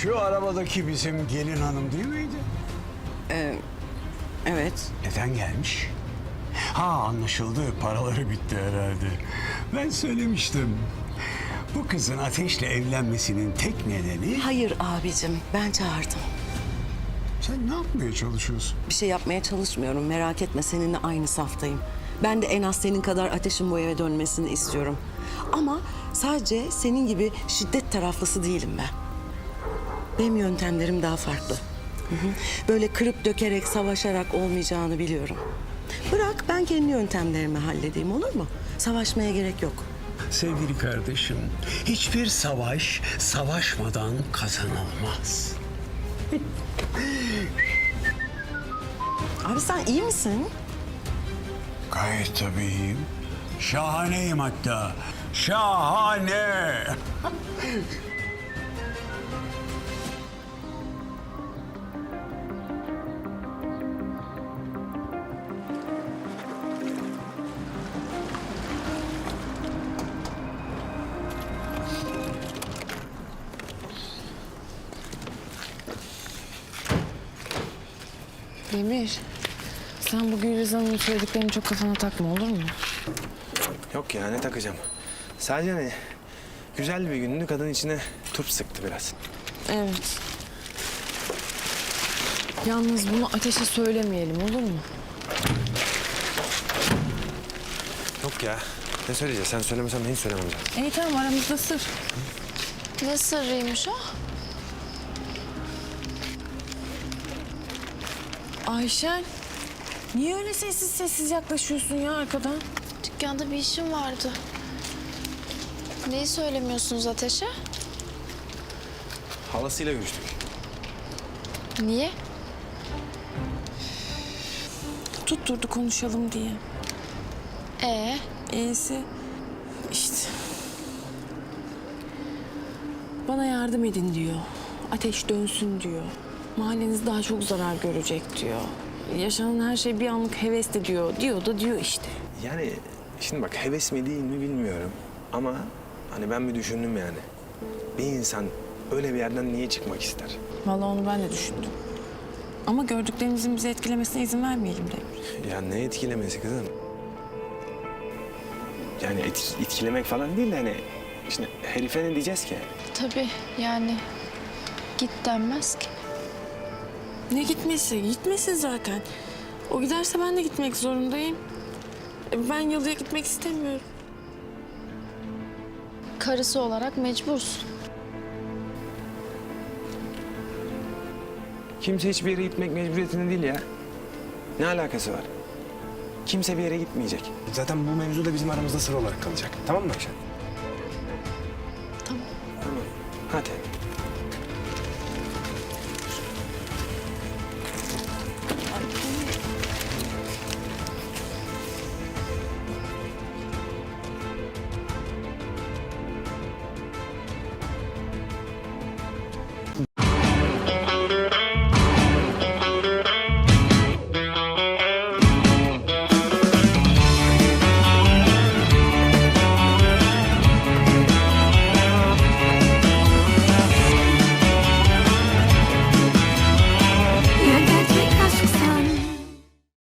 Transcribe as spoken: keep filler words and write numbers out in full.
Şu arabadaki bizim gelin hanım değil miydi? Evet. Neden gelmiş? Ha, anlaşıldı. Paraları bitti herhalde. Ben söylemiştim. Bu kızın Ateş'le evlenmesinin tek nedeni... Hayır abicim, ben çağırdım. Sen ne yapmaya çalışıyorsun? Bir şey yapmaya çalışmıyorum, merak etme, seninle aynı saftayım. Ben de en az senin kadar Ateş'in bu eve dönmesini istiyorum. Ama sadece senin gibi şiddet taraflısı değilim ben. Benim yöntemlerim daha farklı. Hı hı. Böyle kırıp dökerek, savaşarak olmayacağını biliyorum. Bırak ben kendi yöntemlerimi halledeyim, olur mu? Savaşmaya gerek yok. Sevgili kardeşim, hiçbir savaş savaşmadan kazanılmaz. Abi sen iyi misin? Gayet tabiiyim. Şahaneyim hatta. Şahane. Demir, sen bu Gülriz Hanım'ın söylediklerini çok kafana takma, olur mu? Yok ya, ne takacağım? Sadece hani güzel bir gündü, kadın içine turp sıktı biraz. Evet. Yalnız bunu Ateş'e söylemeyelim, olur mu? Yok ya, ne söyleyeceğiz? Sen söylemesen ben hiç söylemem zaten. İyi tamam, aramızda sır. Ne sırrıymış o? Ayşen, niye öyle sessiz sessiz yaklaşıyorsun ya arkadan? Dükkanda bir işim vardı. Neyi söylemiyorsunuz Ateş'e? Halasıyla görüştük. Niye? Tutturdu konuşalım diye. Ee, İyisi işte. Bana yardım edin diyor. Ateş dönsün diyor. Mahalleniz daha çok zarar görecek diyor. Yaşanan her şey bir anlık hevesli diyor. Diyor da diyor işte. Yani şimdi bak, heves mi değil mi bilmiyorum. Ama hani ben bir düşündüm yani. Bir insan öyle bir yerden niye çıkmak ister? Vallahi onu ben de düşündüm. Ama gördüklerimizin bizi etkilemesine izin vermeyelim Demir. Ya ne etkilemesi kızım? Yani et, etkilemek falan değil de hani... Şimdi herife ne diyeceğiz ki? tabii yani git denmez ki. Ne gitmesi? Gitmesin zaten. O giderse ben de gitmek zorundayım. E, Ben yalıya gitmek istemiyorum. Karısı olarak mecbursun. Kimse hiçbir yere gitmek mecburiyetinde değil ya. Ne alakası var? Kimse bir yere gitmeyecek. Zaten bu mevzu da bizim aramızda sır olarak kalacak. Tamam mı Ayşe? Tamam. Tamam. Hadi.